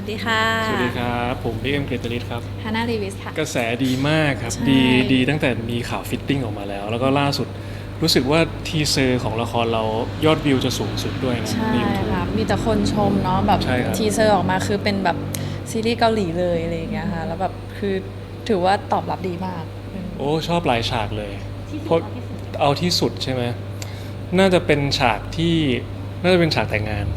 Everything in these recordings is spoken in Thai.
ดีค่ะสวัสดีครับผมพี่เอ็มเกรตลิสครับฮาน่ารีวิสค่ะกระแสดีมากครับใช่ดีตั้งแต่มีข่าวฟิตติ้งออกมาแล้วก็ล่าสุดรู้สึกว่าทีเซอร์ของละครเรายอดวิวจะสูงสุดด้วยนะใช่ใน YouTube ค่ะมีแต่คนชมเนาะแบบใช่ครับทีเซอร์ออกมาคือเป็นแบบซีรีส์เกาหลีเลยอะไรอย่างเงี้ยค่ะแล้วแบบคือถือว่าตอบรับดีมากโอ้ชอบหลายฉากเลยเพราะเอาที่สุดใช่ไหมน่าจะเป็นฉากที่น่าจะเป็นฉากแต่งงาน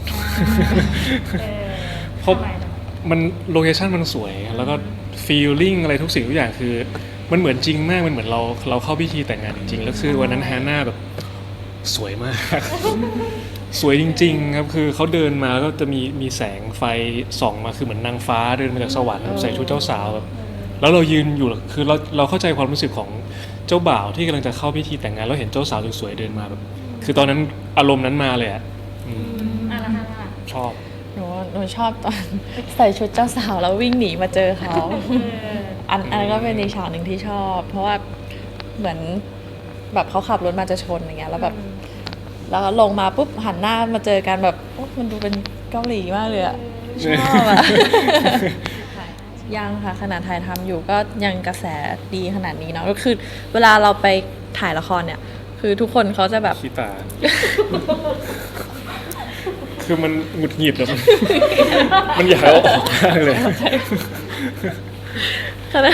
เพราะมันโลเคชั่นมันสวยแล้วก็ฟีลลิ่งอะไรทุกสิ่งทุกอย่างคือมันเหมือนจริงมากมันเหมือนเราเข้าพิธีแต่งงานจริงๆแล้วคือวันนั้นฮาน่าแบบสวยมาก สวยจริงๆครับคือเขาเดินมาแล้วก็จะมีแสงไฟส่องมาคือเหมือนนางฟ้าเดินมาจากสวรรค์ใส่ชุดเจ้าสาวแบบแล้วเรายืนอยู่คือเราเข้าใจความรู้สึกของเจ้าบ่าวที่กำลังจะเข้าพิธีแต่งงานแล้วเห็นเจ้าสาวสวยๆเดินมาแบบคือตอนนั้นอารมณ์นั้นมาเลยอ่ะชอบหนูชอบตอนใส่ชุดเจ้าสาวแล้ววิ่งหนีมาเจอเขาอันนั้นก็เป็นอีกฉากหนึ่งที่ชอบ เพราะว่าเหมือนแบบเขาขับรถมาจะชนอย่างเงี้ยแล้วแบบแล้วลงมาปุ๊บหันหน้ามาเจอกันแบบโอ้มันดูเป็นเกาหลีมากเลยอะชอบอะ ยังค่ะขณะถ่ายทำอยู่ก็ยังกระแสดีขนาดนี้เนาะก็คือเวลาเราไปถ่ายละครเนี่ยคือทุกคนเขาจะแบบขี้ตา คือมันหงุดหงิดอะมันอยากเอาออกมากเลยขณะ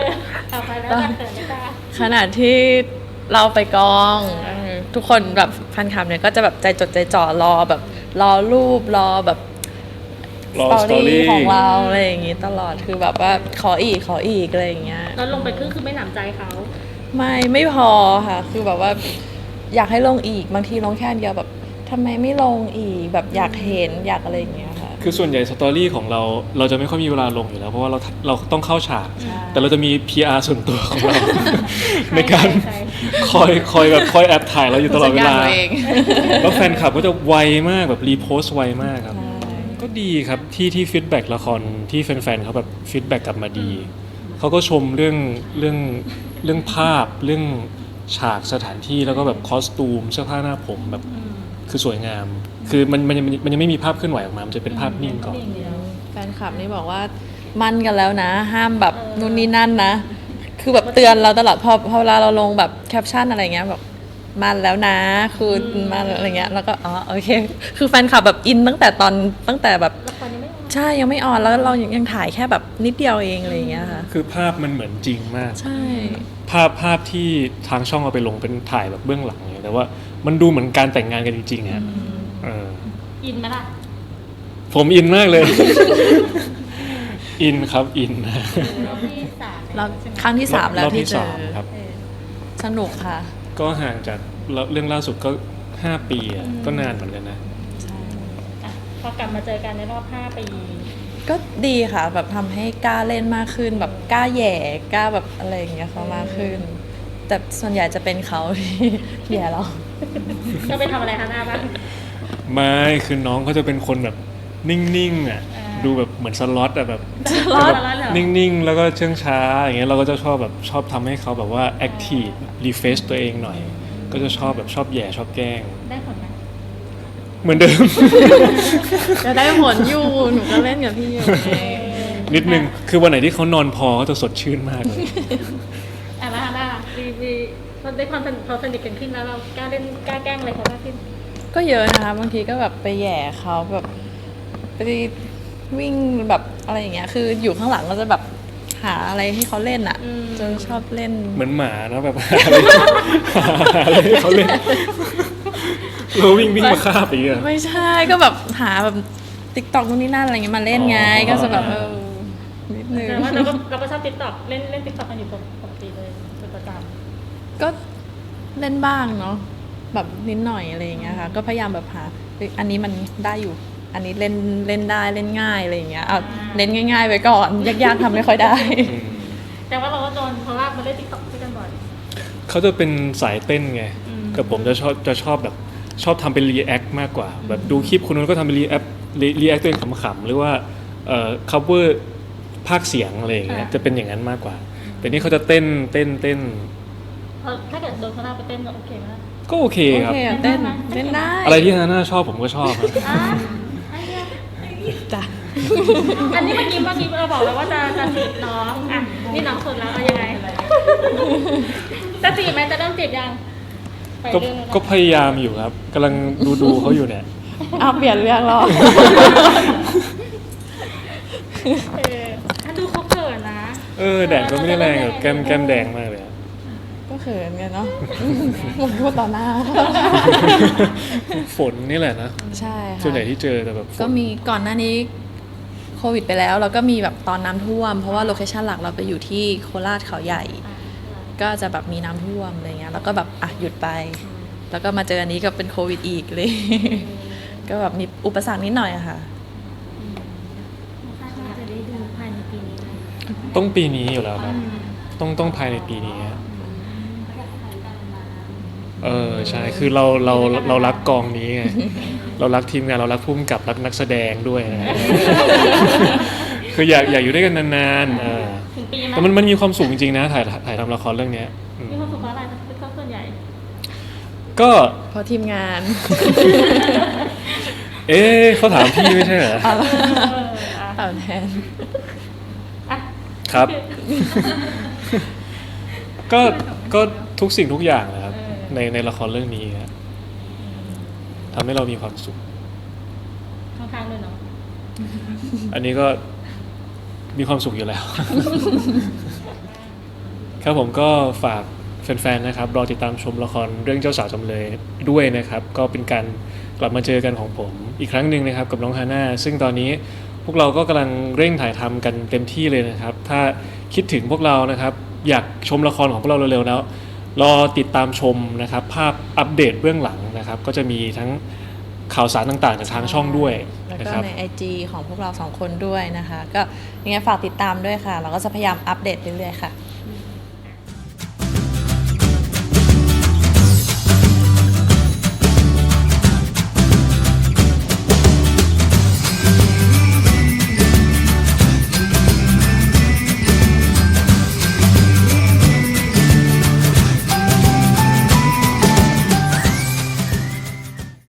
ขณะที่เราไปกองทุกคนแบบแฟนคลับเนี่ยก็จะแบบใจจดใจจ่อรอแบบรอรูปรอแบบรอสตอรี่ story ของเราอะไรอย่างงี้ตลอดคือแบบว่าขออีกอะไรอย่างเงี้ยแล้วลงไปครึ่งคือไม่หนำใจเขาไม่พอค่ะคือแบบว่าอยากให้ลงอีกบางทีลงแค่อันเดียวแบบทำไมไม่ลงอีกแบบอยากเห็นอยากอะไรอย่างเงี้ยค่ะคือส่วนใหญ่สตอรี่ของเราจะไม่ค่อยมีเวลาลงอยู่แล้วเพราะว่าเราต้องเข้าฉากใช่แต่เราจะมี PR ส่วนตัวของเรา ในการคอยแบบคอยแอบถ่ายเราอยู่ตลอดเวลาผู้จัดการตัวเองแล้วแฟนคลับก็จะไวมากแบบรีโพสต์ไวมากครับ ก็ดีครับที่ฟีดแบ็กละครที่แฟนๆเขาแบบฟีดแบ็กกลับมาดีเขาก็ชมเรื่องภาพเรื่องฉากสถานที่แล้วก็แบบคอสตูมเสื้อผ้าหน้าผมแบบคือสวยงาม คือมันยังไม่มีภาพเคลื่อนไหวออกมามันจะเป็นภาพนิ่งก่อนแฟนคลับนี่บอกว่ามั่นกันแล้วนะ ห้ามแบบนู่นนี่นั่นนะ คือแบบเตือนเราตลอดพอเวลาเราลงแบบแคปชั่นอะไรเงี้ยแบบมันแล้วนะคือมันอะไรเงี้ยแล้วก็อ๋อโอเคคือแฟนคลับแบบอินตั้งแต่แบบละครยังไม่ออกใช่ยังไม่ออนแล้วเรายังถ่ายแค่แบบนิดเดียวเองอะไรอย่างเงี้ยค่ะคือภาพมันเหมือนจริงมากใช่ภาพที่ทางช่องเอาไปลงเป็นถ่ายแบบเบื้องหลังเนี่ยแต่ว่ามันดูเหมือนการแต่งงานกันจริงๆฮะอินไหมล่ะผมอินมากเลย อินครับอินนะรอบที่สามแล้วครั้งที่3แล้วรอบที่ที่เจอสามครับสนุกค่ะก็ห่างจากเรื่องล่าสุดก็5 ปีอ่ะก็นานเหมือนกันนะอ่ะพอกลับมาเจอกันในรอบ5 ปีก็ดีค่ะแบบทำให้กล้าเล่นมากขึ้นแบบกล้าแหย่กล้าแบบอะไรอย่างเงี้ยเขามากขึ้น แต่ส่วนใหญ่จะเป็นเขาที่ แหย่เราก็ไปทำอะไรคะหน้าบ้างไม่คือน้องเขาจะเป็นคนแบบนิ่งๆอ่ะดูแบบเหมือนสล็อตอ่ะแบบล็อตนิ่งๆแล้วก็เชื่องช้าอย่างเงี้ยเราก็จะชอบทำให้เขาแบบว่าแอคทีฟรีเฟซตัวเองหน่อย ก็จะชอบแบบชอบแหย่ชอบแกล้งได้ผลไหมเหมือนเดิมจะได้ผลอยู่หนูก็เล่นกับพี่อยู่ไงนิดนึงคือวันไหนที่เขานอนพอเขาจะสดชื่นมากเลยอ่ะแล้วฮาน่ารีเราได้ความพอสนิทกันขึ้นแล้วเรากล้าเล่นกล้าแกล้งอะไรเขามากขึ้นก็เยอะนะคะบางทีก็แบบไปแหย่เขาแบบไปวิ่งแบบอะไรอย่างเงี้ยคืออยู่ข้างหลังก็จะแบบหาอะไรให้เขาเล่นอ่ะจนชอบเล่นเหมือนหมานะแบบ หาอะไรให้เขาเล่นเราวิ่งมาคาบอย่างเงี้ยไม่ใช่ก็แบบหาแบบติ๊กต็อกนู่นนี่นั่นอะไรเงี้ยมาเล่นไงอ๋อก็จะแบบนิดนึงแต่ว่าเราก็ชอบติ๊กต็อกเล่นติ๊กต็อกกันอยู่ปกติเลยเป็นประจำก็เล่นบ้างเนาะแบบนิดหน่อยอะไรอย่างเงี้ยค่ะก็พยายามแบบหาเฮ้ยอันนี้มันได้อยู่ อันนี้เล่นได้เล่นง่ายอะไรอย่างเงี้ยเอาเล่นง่ายๆไปก่อนยากๆทำไม่ค่อยได้แต่ว่าเราก็โดนเขาลากมาเล่นติ๊กต็อกด้วยกันบ่อยเขาจะเป็นสายเต้นไงกับผมจะชอบแบบชอบทำเป็นรีแอคมากกว่า แบบดูคลิปคนนู้นก็ทำเป็นรีแอคตัวเองขำๆหรือว่าcover ภาคเสียงอะไรอย่างเงี้ยจะเป็นอย่างนั้นมากกว่า แต่นี่เขาจะเต้นเพราะถ้าเกิดโดนเขาลากไปเต้นก็โอเคไหมล่ะก็โอเคโอครับเคอะเต้นได้อะไรที่ฮาน่าชอบผมก็ชอบครับอ่ะไอ้เนี่ยจ้ะอันนี้เมื่อกี้เราบอกแล้วว่าจะจีบน้องอ่ะนี่น้องสุดแล้วเอายังไงจะจีบไหมจะเริ่มจีบยังไปก็เรื่องนั้นก็พยายามอยู่ครับกำลังดูเขาอยู่เนี่ยเอาเปลี่ยนเรื่องแล้วถ้าดูเขาเขินนะแดดก็ไม่ได้แรงแบบแก้มแดงมากเลยอะก็เขินกันเนาะผมพูดต่อหน้าฝนนี่แหละนะใช่ค่ะส่วนใหญ่ที่เจอแต่แบบฝนก็มีก่อนหน้านี้โควิดไปแล้วแล้วก็มีแบบตอนน้ำท่วม เพราะว่าโลเคชั่นหลักเราไปอยู่ที่โคราชเขาใหญ่ ก็จะแบบมีน้ำท่วมอะไรเงี้ยแล้วก็แบบอ่ะหยุดไป แล้วก็มาเจออันนี้ก็เป็นโควิดอีกเลย ก็แบบมีอุปสรรคนิดหน่อยอะค่ะคาดว่าจะได้ดูภายในปีนี้ไหมต้องปีนี้อยู่แล้วครับต้องภายในปีนี้ฮะใช่คือเรารักกองนี้ไง เรารักทีมงานเรารักผู้กำกับรักนักแสดงด้วยนะ คืออยากอยู่ด้วยกันนานๆถึงปีไหมแต่มันมีความสุขจริงๆนะถ่ายทำละครเรื่องเนี้ยอืมมีความสุขเพราะอะไรเป็นข้อส่วนใหญ่ก็เพราะทีมงานเขาถามพี่ไม่ใช่เหรอเอาแทนอ่ะครับ ก็ทุกสิ่งทุกอย่างนะครับในละครเรื่องนี้ครับทำให้เรามีความสุขข้างๆด้วยเนาะอันนี้ก็มีความสุขอยู่แล้ว ครับผมก็ฝากแฟนๆนะครับรอติดตามชมละครเรื่องเจ้าสาวจำเลยด้วยนะครับ ก็เป็นการกลับมาเจอกันของผมอีกครั้งหนึ่งนะครับกับน้องฮาน่าซึ่งตอนนี้พวกเราก็กำลังเร่งถ่ายทำกันเต็มที่เลยนะครับ ถ้าคิดถึงพวกเรานะครับอยากชมละครของพวกเราเร็วๆแล้วรอติดตามชมนะครับภาพอัปเดตเบื้องหลังนะครับ ก็จะมีทั้งข่าวสารต่างๆจากทางช่องด้วยแล้วนะก็ครับใน IG ของพวกเราสองคนด้วยนะคะ ก็ยังไงฝากติดตามด้วยค่ะ เราก็จะพยายามอัปเดตเรื่อยๆค่ะ